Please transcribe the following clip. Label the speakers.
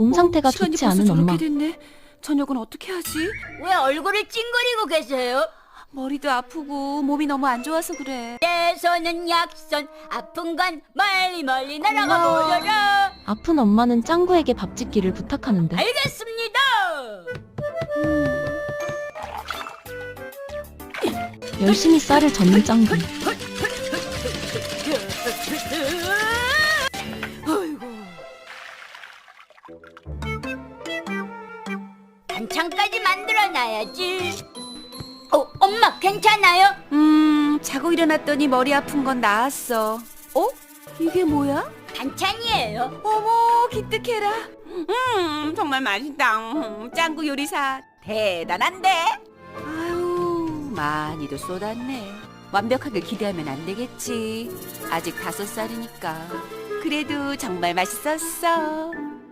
Speaker 1: 몸 상태가
Speaker 2: 시간이
Speaker 1: 좋지
Speaker 2: 벌써
Speaker 1: 않은
Speaker 2: 저렇게
Speaker 1: 엄마.
Speaker 2: 됐네. 저녁은 어떻게 하지?
Speaker 3: 왜 얼굴을 찡그리고 계세요?
Speaker 2: 머리도 아프고 몸이 너무 안 좋아서 그래.
Speaker 3: 내 손은 약손, 아픈 건 멀리 멀리 날아가
Speaker 2: 고마워.
Speaker 3: 버려라.
Speaker 1: 아픈 엄마는 짱구에게 밥 짓기를 부탁하는데
Speaker 3: 알겠습니다.
Speaker 1: 열심히 쌀을 젓는 짱구.
Speaker 3: 아이고. 반찬까지 만들어놔야지. 엄마 괜찮아요?
Speaker 2: 자고 일어났더니 머리 아픈 건 나았어. 이게 뭐야?
Speaker 3: 반찬이에요.
Speaker 2: 어머, 기특해라. 정말 맛있다. 짱구 요리사 대단한데? 아유, 많이도 쏟았네. 완벽하게 기대하면 안 되겠지. 아직 5살이니까. 그래도 정말 맛있었어.